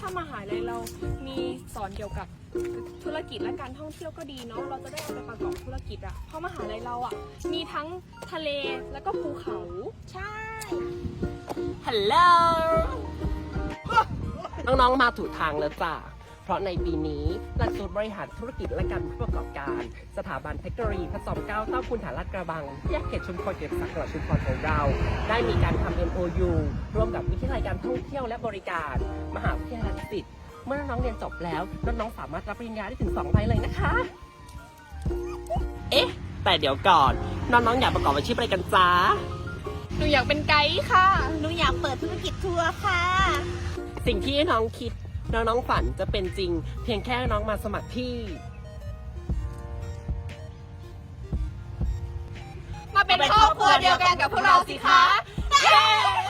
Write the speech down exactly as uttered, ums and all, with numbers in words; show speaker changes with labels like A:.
A: ามหาลัยเรามีสอนเกี่ยวกับธุรกิจและการท่องเที่ยวก็ดีเนาะเราจะได้เอาไปประกอบธุรกิจอะเพราะมหาลัยเราอะมีทั้งทะเลแล้วก็ภูเขาใช่
B: ฮัลโหล น้องๆ มาถูกทางแล้วจ้ะ เพราะในปีนี้หลักสูตรบริหารธุรกิจและการผู้ประกอบการ สถาบันเทคโนโลยีพระจอมเกล้าเต้าคุณฐานลาดกระบังแยกเขตชุมพรเขตสักจังหวัดชุมพรของเรา ได้มีการทำ เอ็ม โอ ยู ร่วมกับวิทยาลัยการท่องเที่ยวและบริการ มหาวิทยาลัยดุสิตเมื่อน้องๆ เรียนจบแล้วน้องๆ สามารถรับปริญญาได้ถึงสองใบเลยนะคะ เอ๊ะ แต่เดี๋ยวก่อน น้องๆ อยากประกอบอาชีพอะไรกันจ้า
A: หนูอยากเป็นไกด์ค่ะ
C: หนูอยากเปิดธุรกิจทัวร์ค่ะ
B: สิ่งที่น้องคิดน้องๆฝันจะเป็นจริง เพียงแค่น้องมาสมัครที่
A: มาเป็นครอบครัวเดียวกันกับพวกเราสิคะ เย้